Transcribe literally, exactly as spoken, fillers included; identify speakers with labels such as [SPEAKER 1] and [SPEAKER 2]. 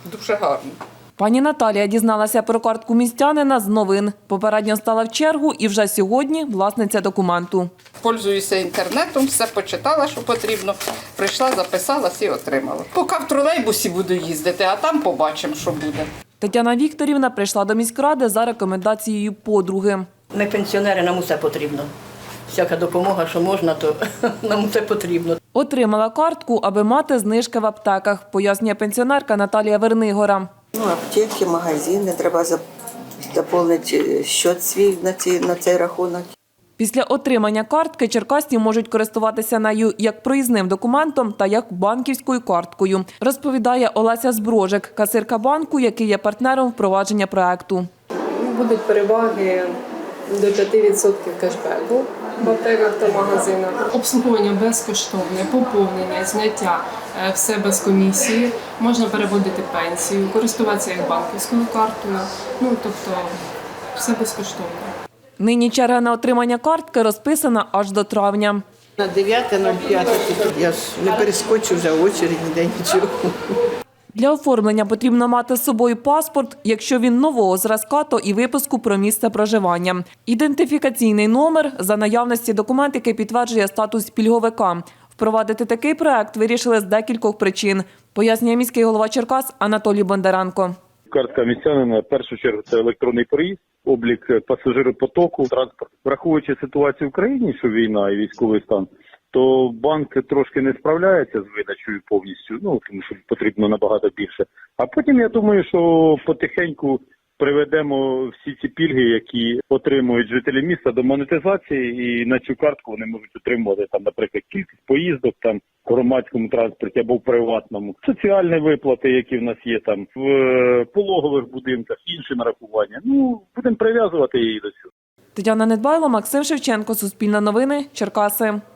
[SPEAKER 1] Дуже гарно.
[SPEAKER 2] Пані Наталія дізналася про картку містянина з новин. Попередньо стала в чергу і вже сьогодні власниця документу.
[SPEAKER 1] Пользуюся інтернетом, все почитала, що потрібно. Прийшла, записалась і отримала. Поки в тролейбусі буду їздити, а там побачимо, що буде.
[SPEAKER 2] Тетяна Вікторівна прийшла до міськради за рекомендацією подруги.
[SPEAKER 3] Ми пенсіонери, нам усе потрібно. Всяка допомога, що можна, то нам усе потрібно.
[SPEAKER 2] Отримала картку, аби мати знижки в аптеках, пояснює пенсіонерка Наталія Вернигора.
[SPEAKER 4] Ну, аптеки, магазини, треба заповнити счет свій на, ці, на цей рахунок.
[SPEAKER 2] Після отримання картки черкасці можуть користуватися нею як проїзним документом та як банківською карткою, розповідає Олеся Зброжик, касирка банку, який є партнером впровадження проекту.
[SPEAKER 5] Будуть переваги до п'яти відсотків кешбеку в аптеках та магазинах.
[SPEAKER 6] Обслуговування безкоштовне, поповнення, зняття – все без комісії. Можна переводити пенсію, користуватися як банківською картою. Ну, тобто, все безкоштовно.
[SPEAKER 2] Нині черга на отримання картки розписана аж до травня.
[SPEAKER 7] На дев'яте нуль п'яте я ж не перескочу вже очередь, ніде нічого.
[SPEAKER 2] Для оформлення потрібно мати з собою паспорт, якщо він нового зразка, то і виписку про місце проживання. Ідентифікаційний номер за наявності документ, який підтверджує статус пільговика. Впровадити такий проект вирішили з декількох причин, пояснює міський голова Черкас Анатолій Бондаренко.
[SPEAKER 8] Картка містянина, в першу чергу, це електронний проїзд, облік пасажиропотоку, транспорт. Враховуючи ситуацію в країні, що війна і військовий стан, то банк трошки не справляється з видачею повністю, ну, тому що потрібно набагато більше. А потім, я думаю, що потихеньку приведемо всі ці пільги, які отримують жителі міста, до монетизації, і на цю картку вони можуть отримувати, там, наприклад, кількість поїздок там, в громадському транспорті або в приватному, соціальні виплати, які в нас є там, в пологових будинках, інші нарахування. Ну, будемо прив'язувати її до цього.
[SPEAKER 2] Тетяна Недбайло, Максим Шевченко, Суспільне новини, Черкаси.